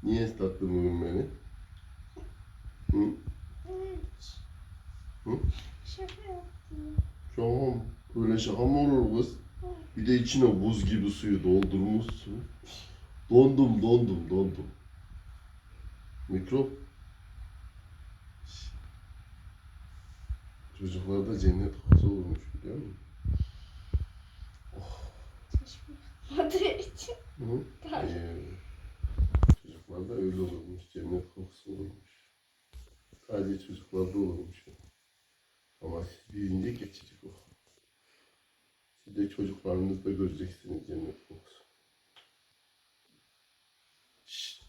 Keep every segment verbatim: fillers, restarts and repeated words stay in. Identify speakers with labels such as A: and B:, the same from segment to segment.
A: Niye ıslattın bugün beni? Hı? Hı?
B: Şaka yaptım.
A: Şaka mı? Öyle şaka mı olur kız? Bir de içine buz gibi suyu doldurmuşsun. Dondum, dondum, dondum. Mikrop. Çocuklarda cennet kokusu olmuş biliyor musun?
B: Çeşme yapmadığı için.
A: Hı?
B: Tabii.
A: Ee, çocuklarda öyle olurmuş, cennet kokusu olurmuş. Sadece çocuklarda olurmuş. Ama siz büyüyünce geçecek o. Siz de çocuklarınızda göreceksiniz cennet kokusu. Şşt.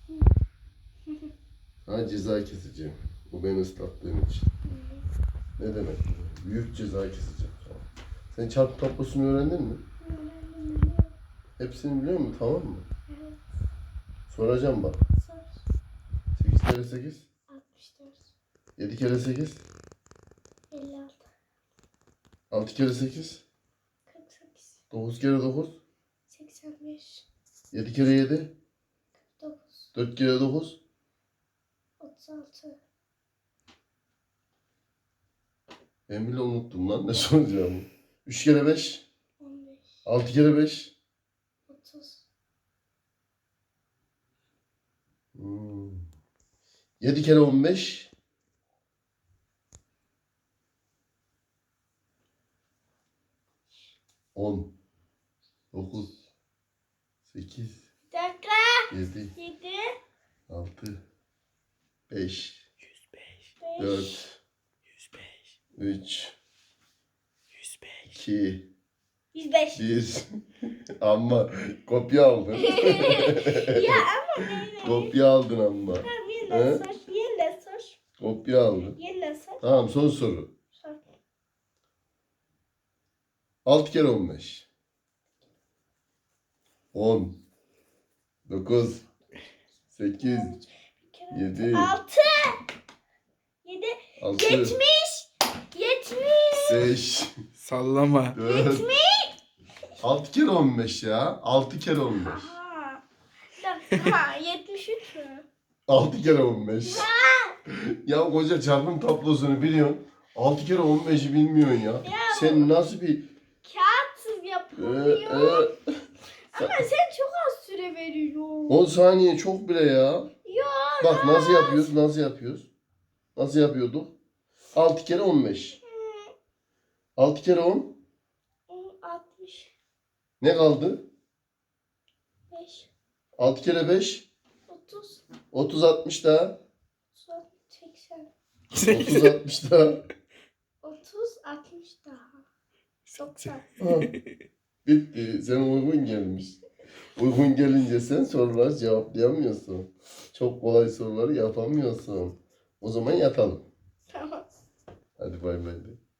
A: Sana ceza keseceğim. Bu beni ıslattığın için. Ne demek bu? Büyük ceza keseceğim sana. Sen çarpı tablosunu öğrendin mi?
B: Öğrendim, biliyorum.
A: Hepsini biliyor musun? Tamam mı?
B: Evet.
A: Soracağım bak.
B: Sor.
A: sekiz kere sekiz.
B: altmış dört.
A: yedi kere sekiz.
B: elli altı.
A: altı kere sekiz.
B: kırk sekiz.
A: dokuz kere dokuz.
B: seksen beş.
A: yedi kere yedi.
B: kırk dokuz.
A: dört kere dokuz.
B: otuz altı.
A: Ben bile unuttum lan ne soracağımı. üç kere beş.
B: on beş.
A: altı kere beş.
B: otuz.
A: Hmm. yedi kere on beş. on. dokuz. sekiz.
B: Bir dakika.
A: yedi.
B: yedi.
A: altı. beş.
C: yüz beş.
A: dört.
C: yüz beş.
A: üç.
C: yüz beş.
A: iki.
B: yüz beş.
A: bir. Ama kopya aldın.
B: Ya ama böyle.
A: Kopya aldın ama.
B: Tamam,
A: He?
B: yeniden sor. Yeniden sor.
A: Kopya aldın.
B: Yeniden sor.
A: Tamam son soru.
B: Sor.
A: altı kere on beş. on. dokuz. sekiz. yedi.
B: altı. yedi.
A: altı.
B: yetmiş. yetmiş.
A: beş.
C: Sallama.
A: dört. altı kere on beş ya. altı kere on beş.
B: Aha. Bir dakika. yetmiş üç mü?
A: altı kere on beş. Ya koca çarpım tablosunu biliyorsun. altı kere on beşi bilmiyorsun ya.
B: Ya.
A: Sen nasıl bir...
B: Kağıtsız
A: Ee,
B: yapamıyor.
A: e,
B: Ama sen çok az süre veriyorsun.
A: on saniye çok bile ya.
B: Ya.
A: Bak nasıl yapıyoruz, nasıl yapıyoruz? Nasıl yapıyorduk? altı kere on beş. altı kere on.
B: altmış
A: Ne kaldı?
B: beş.
A: altı kere beş.
B: otuz.
A: otuz altmış daha.
B: seksen.
A: otuz altmış daha.
B: otuz altmış daha. doksan.
A: Ha, bitti. Sen uygun gelmiş. Uygun gelince sen soruları cevaplayamıyorsun. Çok kolay soruları yapamıyorsun. O zaman yatalım.
B: Tamam.
A: Hadi bay bay de.